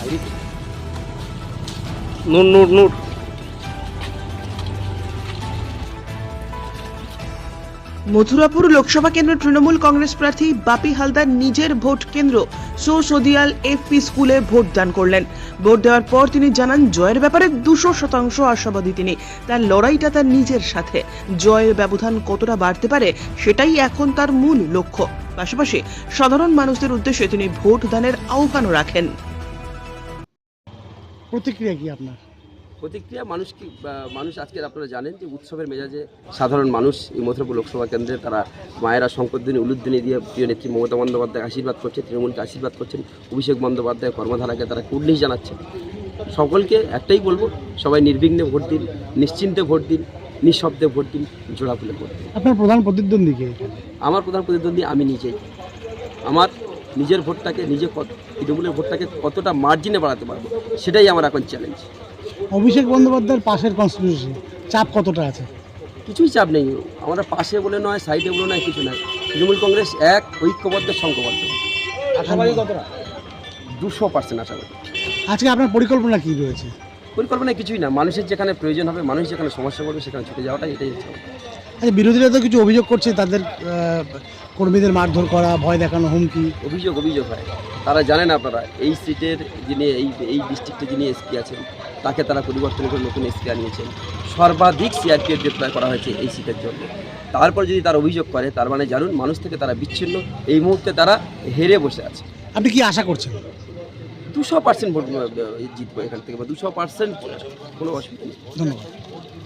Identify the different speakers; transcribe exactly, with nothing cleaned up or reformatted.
Speaker 1: নূর নূর নূর
Speaker 2: মথুরাপুর লোকসভা কেন্দ্র তৃণমূল কংগ্রেস প্রার্থী বাপি হালদার নিজের ভোট কেন্দ্র সোসদিয়াল এফপি স্কুলে ভোট দান করলেন। ভোট দেওয়ার পর তিনি জানান জয়ের ব্যাপারে দুশো শতাংশ আশাবাদী তিনি। তার লড়াইটা তার নিজের সাথে, জয়ের ব্যবধান কতটা বাড়তে পারে সেটাই এখন তার মূল লক্ষ্য। পাশাপাশি সাধারণ মানুষদের উদ্দেশ্যে তিনি ভোট দানের আহ্বানও রাখেন।
Speaker 3: প্রতিক্রিয়া কি আপনার?
Speaker 4: প্রতিক্রিয়া মানুষ কি মানুষ আজকে আপনারা জানেন যে উৎসবের মেজাজে সাধারণ মানুষ এই মথুরাপুর লোকসভা কেন্দ্রে তারা মায়েরা শঙ্করদিনী উলুদ্দিনী দিয়ে প্রিয় নেত্রী মমতা বন্দ্যোপাধ্যায় আশীর্বাদ করছে, তৃণমূলকে আশীর্বাদ করছেন, অভিষেক বন্দ্যোপাধ্যায় কর্মধারাকে তারা কুর্নিশ জানাচ্ছেন। সকলকে একটাই বলবো, সবাই নির্বিঘ্নে ভোট দিন, নিশ্চিন্তে ভোট দিন, নিঃশব্দে ভোট দিন, জোড়া ফুলে ভোট দিন।
Speaker 3: আপনার প্রধান প্রতিদ্বন্দ্বী কে?
Speaker 4: আমার প্রধান প্রতিদ্বন্দ্বী আমি নিজেই। আমার নিজের ভোটটাকে নিজে তৃণমূলের ভোটটাকে কতটা মার্জিনে বাড়াতে পারবো সেটাই আমার এখন চ্যালেঞ্জ।
Speaker 3: অভিষেক বন্দ্যোপাধ্যায়ের পাশের কনস্টিটিউশন চাপ কতটা আছে?
Speaker 4: কিছুই চাপ নেই, আমরা পাশে বলে নয়, সাইডে বলে নয়, কিছু নয়। তৃণমূল কংগ্রেস এক, ঐক্যবদ্ধ, সংঘবদ্ধ।
Speaker 3: আশাবাদী কতটা?
Speaker 4: দুশো পার্সেন্ট আশাবাদী।
Speaker 3: আজকে আপনার পরিকল্পনা কি রয়েছে?
Speaker 4: পরিকল্পনা কিছুই না, মানুষের যেখানে প্রয়োজন হবে, মানুষ যেখানে সমস্যা করবে সেখানে ছুটে যাওয়াটা, এটাই হচ্ছে।
Speaker 3: আচ্ছা, বিরোধীরা তো কিছু অভিযোগ করছে, তাদের কর্মীদের মারধর করা, ভয় দেখানো, হুমকি।
Speaker 4: অভিযোগ অভিযোগ হয়, তারা জানেন আপনারা এই সিটের যিনি এই এই ডিস্ট্রিক্টে যিনি এসপি আছেন তাকে তারা পরিবর্তন করে নতুন এসপি আনিয়েছেন। সর্বাধিক সিআরপিএফ ডিপ্লয় করা হয়েছে এই সিটের জন্য। তারপর যদি তারা অভিযোগ করে, তার মানে জানুন মানুষ থেকে তারা বিচ্ছিন্ন, এই মুহূর্তে তারা হেরে বসে আছে।
Speaker 3: আপনি কি আশা করছেন?
Speaker 4: দুশো পার্সেন্ট ভোট জিতবো এখান থেকে, বা দুশো পার্সেন্ট কোনো অসুবিধা নেই।
Speaker 3: ধন্যবাদ।